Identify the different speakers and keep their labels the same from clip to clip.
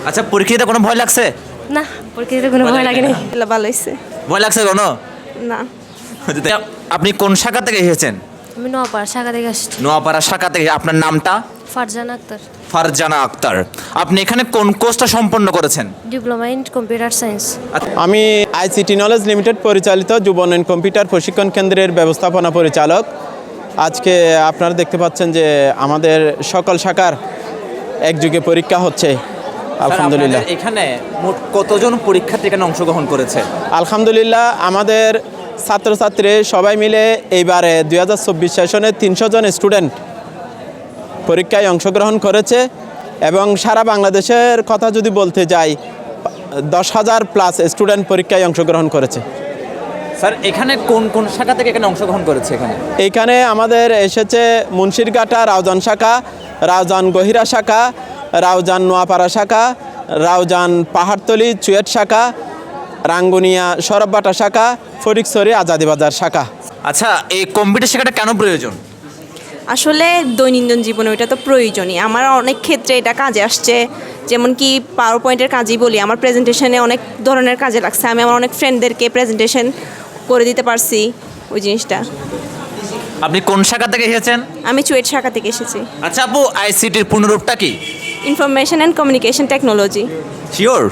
Speaker 1: আচ্ছা, পরীক্ষাতে কোনো ভয় লাগছে?
Speaker 2: না, পরীক্ষাতে কোনো ভয় লাগেনি।
Speaker 3: ভালো হয়েছে।
Speaker 1: ভয় লাগছে কোনো?
Speaker 3: না।
Speaker 1: আপনি কোন শাখা থেকে এসেছেন?
Speaker 2: আমি নোয়াপাড়া শাখা থেকে আসছি।
Speaker 1: নোয়াপাড়া শাখা থেকে। আপনার নামটা?
Speaker 2: ফারজানা আক্তার।
Speaker 1: ফারজানা আক্তার। আপনি এখানে কোন কোর্সটা সম্পন্ন করেছেন?
Speaker 2: Diploma in computer science.
Speaker 4: আমি আইসিটি নলেজ লিমিটেড পরিচালিত যুব উন্নয়ন কম্পিউটার প্রশিক্ষণ কেন্দ্রের ব্যবস্থাপনা পরিচালক। আজকে আপনারা দেখতে পাচ্ছেন যে আমাদের সকল শাখার একযোগে পরীক্ষা হচ্ছে। আলহামদুলিল্লাহ।
Speaker 1: এখানে মোট কতজন পরীক্ষার্থী এখানে অংশগ্রহণ করেছে?
Speaker 4: আলহামদুলিল্লাহ, আমাদের ছাত্রছাত্রী সবাই মিলে এইবারে 2024 সেশনে 300 জন স্টুডেন্ট পরীক্ষায় অংশগ্রহণ করেছে এবং সারা বাংলাদেশের কথা যদি বলতে যাই 10,000 প্লাস স্টুডেন্ট পরীক্ষায় অংশগ্রহণ করেছে।
Speaker 1: স্যার, এখানে কোন কোন শাখা থেকে এখানে অংশগ্রহণ করেছে?
Speaker 4: এইখানে আমাদের এসেছে মুন্সিরঘাটা রাউজান শাখা, রাউজান গহিরা শাখা, রাউজান নোয়াপাড়া শাখা, রাউজান পাহাড়তলি চুয়েট শাখা, রাঙ্গুনিয়া সরববাটা শাখা, ফটিকছড়ি আজাদিবাজার শাখা।
Speaker 1: আচ্ছা, এই কম্পিউটার শেখাটা কেন প্রয়োজন?
Speaker 3: আসলে দৈনন্দিন জীবনে ওইটা তো প্রয়োজনই। আমার অনেক ক্ষেত্রে এটা কাজে আসছে। যেমন কি পাওয়ার পয়েন্টের কাজই বলি, আমার প্রেজেন্টেশনে অনেক ধরনের কাজে লাগছে। আমি আমার অনেক ফ্রেন্ডদেরকে প্রেজেন্টেশন করে দিতে পারছি ওই জিনিসটা।
Speaker 1: আপনি কোন শাখা থেকে এসেছেন?
Speaker 3: আমি চুয়েট শাখা থেকে এসেছি।
Speaker 1: আচ্ছা আপু, আইসিটির পূর্ণরূপটা কি?
Speaker 3: Information and communication technology.
Speaker 1: Sure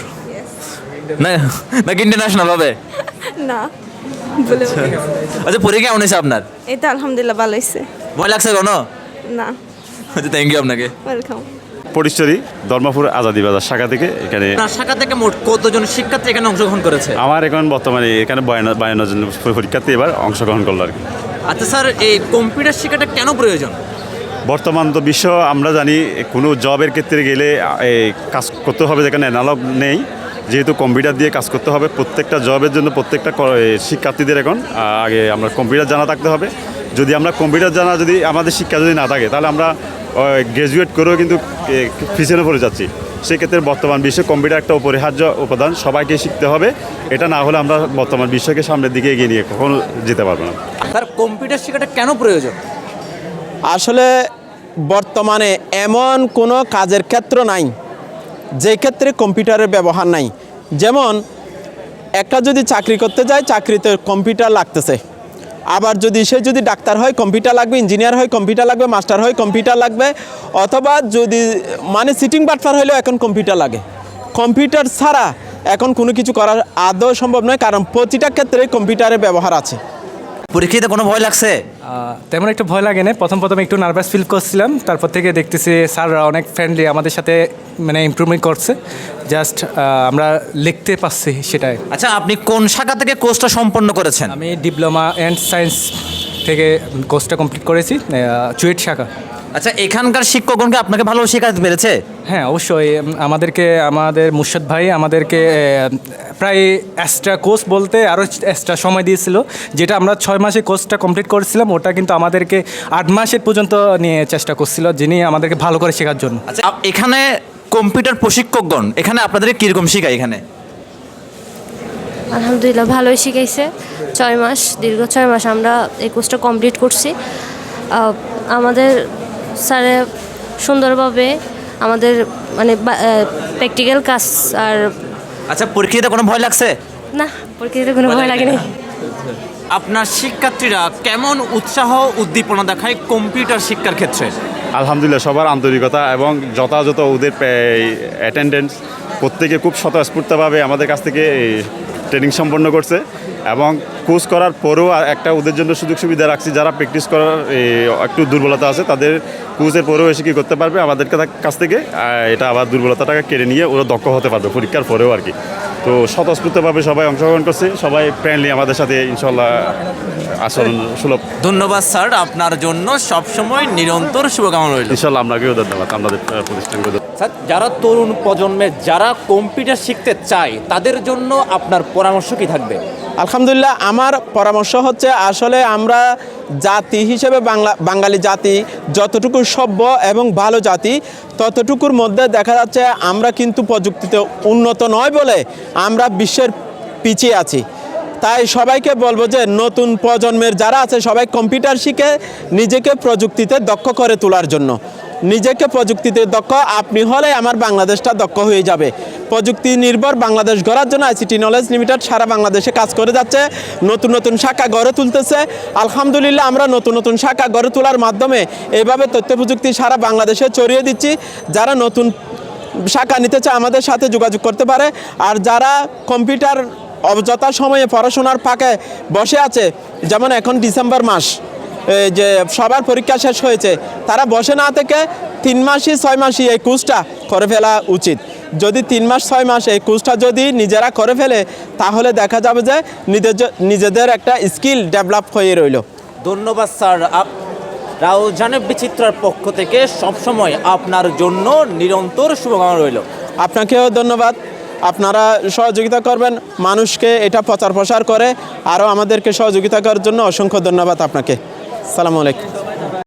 Speaker 1: নাকি ইন্টারন্যাশনাল হবে?
Speaker 3: না বলে।
Speaker 1: আচ্ছা, পরীক্ষা কেমন হয়েছে আপনার?
Speaker 3: এই তো আলহামদুলিল্লাহ ভালো হয়েছে।
Speaker 1: ভয় লাগছে কোনো?
Speaker 3: না।
Speaker 1: আচ্ছা, থ্যাংক ইউ আপনাকে।
Speaker 3: ওয়েলকাম।
Speaker 5: ফটিকছড়ি ধর্মপুর আজাদিবাজার শাখা থেকে এখানে।
Speaker 1: আপনার শাখা থেকে মোট কতজন শিক্ষার্থী এখানে অংশগ্রহণ করেছে?
Speaker 5: আমার এখন বর্তমানে এখানে 52 জন পরীক্ষার্থী এবার অংশগ্রহণ করলো আর কি।
Speaker 1: আচ্ছা স্যার, এই কম্পিউটার শেখাটা কেন প্রয়োজন?
Speaker 5: বর্তমান তো বিশ্ব আমরা জানি, কোনো জবের ক্ষেত্রে গেলে কাজ করতে হবে যেখানে অ্যানালগ নেই, যেহেতু কম্পিউটার দিয়ে কাজ করতে হবে। প্রত্যেকটা জবের জন্য প্রত্যেকটা শিক্ষার্থীদের এখন আগে আমরা কম্পিউটার জানা থাকতে হবে। যদি আমরা কম্পিউটার জানা যদি আমাদের শিক্ষা যদি না থাকে, তাহলে আমরা গ্র্যাজুয়েট করেও কিন্তু পিছনে পড়ে যাচ্ছি। সেক্ষেত্রে বর্তমান বিশ্বে কম্পিউটার একটা অপরিহার্য উপাদান, সবাইকে শিখতে হবে। এটা না হলে আমরা বর্তমান বিশ্বকে সামনের দিকে এগিয়ে নিয়ে কখনো যেতে পারবো না।
Speaker 1: স্যার, কম্পিউটার শেখাটা কেন প্রয়োজন?
Speaker 4: আসলে বর্তমানে এমন কোনো কাজের ক্ষেত্র নাই যে ক্ষেত্রে কম্পিউটারের ব্যবহার নাই। যেমন একটা যদি চাকরি করতে যায়, চাকরিতে কম্পিউটার লাগতেছে। আবার সে যদি ডাক্তার হয় কম্পিউটার লাগবে, ইঞ্জিনিয়ার হয় কম্পিউটার লাগবে, মাস্টার হয় কম্পিউটার লাগবে, অথবা যদি সিটিং বাটফার হলেও এখন কম্পিউটার লাগে। কম্পিউটার ছাড়া এখন কোনো কিছু করা আদৌ সম্ভব নয়, কারণ প্রতিটা ক্ষেত্রে কম্পিউটারের ব্যবহার আছে।
Speaker 1: পরীক্ষাতে কোনো ভয় লাগছে?
Speaker 6: তেমন একটু ভয় লাগে না। প্রথম একটু নার্ভাস ফিল করছিলাম, তারপর থেকে দেখতেছি স্যাররা অনেক ফ্রেন্ডলি, আমাদের সাথে ইমপ্রুভমেন্ট করছে। জাস্ট আমরা লিখতে পারছি সেটাই।
Speaker 1: আচ্ছা, আপনি কোন শাখা থেকে কোর্সটা সম্পন্ন করেছেন?
Speaker 6: আমি ডিপ্লোমা অ্যান্ড সায়েন্স থেকে কোর্সটা কমপ্লিট করেছি, চুয়েট শাখা।
Speaker 1: আচ্ছা, এখানকার শিক্ষকগণকে আপনাকে ভালো শেখাতে পেরেছে?
Speaker 6: হ্যাঁ, অবশ্যই। আমাদের মুর্শদ ভাই আমাদেরকে প্রায় এক্সট্রা কোর্স বলতে আরও এক্সট্রা সময় দিয়েছিল, যেটা আমরা 6 মাসে কোর্সটা কমপ্লিট করেছিলাম, ওটা কিন্তু আমাদেরকে 8 মাসের পর্যন্ত নিয়ে চেষ্টা করছিল, যিনি আমাদেরকে ভালো করে শেখার জন্য।
Speaker 1: আচ্ছা, এখানে কম্পিউটার প্রশিক্ষকগণ এখানে আপনাদেরকে কীরকম শেখায়? এখানে
Speaker 2: আলহামদুলিল্লাহ ভালোই শিখাইছে। 6 মাস, দীর্ঘ 6 মাস আমরা এই কোর্সটা কমপ্লিট করছি। আমাদের স্যারে সুন্দরভাবে আমাদের প্র্যাকটিক্যাল কাজ আর।
Speaker 1: আচ্ছা, পরীক্ষাতে কোনো ভয় লাগছে?
Speaker 2: না, পরীক্ষাতে কোনো ভয় লাগেনি।
Speaker 1: আপনার শিক্ষার্থীরা কেমন উৎসাহ উদ্দীপনা দেখায় কম্পিউটার শিক্ষার ক্ষেত্রে?
Speaker 5: আলহামদুলিল্লাহ, সবার আন্তরিকতা এবং যথাযথ ওদের অ্যাটেন্ডেন্স, প্রত্যেকে খুব স্বতঃস্ফূর্তভাবে আমাদের কাছ থেকে ট্রেনিং সম্পন্ন করছে। এবং কোর্স করার পরেও একটা ওদের জন্য সুযোগ সুবিধা রাখছি, যারা প্র্যাকটিস করার একটু দুর্বলতা আছে, তাদের কোর্সের পরেও এসে কী করতে পারবে আমাদের কাছ থেকে, এটা আবার দুর্বলতাটাকে কেড়ে নিয়ে ওরা দক্ষ হতে পারবে পরীক্ষার পরেও আর কি। তো স্বতঃস্ফূর্তভাবে সবাই অংশগ্রহণ করছে, সবাই ফ্রেন্ডলি আমাদের সাথে, ইনশাল্লাহ আচরণ সুলভ।
Speaker 1: ধন্যবাদ স্যার, আপনার জন্য সবসময় নিরন্তর শুভকামনা রইল।
Speaker 5: ইনশাল্লাহ আপনাকেও ধন্যবাদ, আমাদের প্রতিষ্ঠানকে।
Speaker 1: স্যার, যারা তরুণ প্রজন্মে যারা কম্পিউটার শিখতে চায় তাদের জন্য আপনার পরামর্শ কি থাকবে?
Speaker 4: আলহামদুলিল্লাহ, আমার পরামর্শ হচ্ছে, আসলে আমরা জাতি হিসেবে বাঙালি জাতি যতটুকু সভ্য এবং ভালো জাতি, ততটুকুর মধ্যে দেখা যাচ্ছে আমরা কিন্তু প্রযুক্তিতে উন্নত নয় বলে আমরা বিশ্বের পিছিয়ে আছি। তাই সবাইকে বলবো যে নতুন প্রজন্মের যারা আছে সবাই কম্পিউটার শিখে নিজেকে প্রযুক্তিতে দক্ষ করে তোলার জন্য। নিজেকে প্রযুক্তিতে দক্ষ আপনি হলে আমার বাংলাদেশটা দক্ষ হয়ে যাবে। প্রযুক্তি নির্ভর বাংলাদেশ গড়ার জন্য আইসিটি নলেজ লিমিটেড সারা বাংলাদেশে কাজ করে যাচ্ছে, নতুন নতুন শাখা গড়ে তুলতেছে। আলহামদুলিল্লাহ আমরা নতুন নতুন শাখা গড়ে তোলার মাধ্যমে এইভাবে তথ্য প্রযুক্তি সারা বাংলাদেশে ছড়িয়ে দিচ্ছি। যারা নতুন শাখা নিতে চায় আমাদের সাথে যোগাযোগ করতে পারে। আর যারা কম্পিউটার অযথা সময়ে পড়াশোনার ফাঁকে বসে আছে, যেমন এখন ডিসেম্বর মাস যে সবার পরীক্ষা শেষ হয়েছে, তারা বসে না থেকে 3 মাসই 6 মাসই এই কোর্সটা করে ফেলা উচিত। যদি 3 মাস 6 মাস এই কোর্সটা যদি নিজেরা করে ফেলে তাহলে দেখা যাবে যে নিজেদের একটা স্কিল ডেভেলপ হয়ে রইল।
Speaker 1: ধন্যবাদ স্যার। রাউজানে বিচিত্রার পক্ষ থেকে সবসময় আপনার জন্য নিরন্তর শুভকামনা রইল।
Speaker 4: আপনাকেও ধন্যবাদ। আপনারা সহযোগিতা করবেন, মানুষকে এটা প্রচার প্রসার করে আরও আমাদেরকে সহযোগিতা করার জন্য অসংখ্য ধন্যবাদ আপনাকে। আসসালামু আলাইকুম।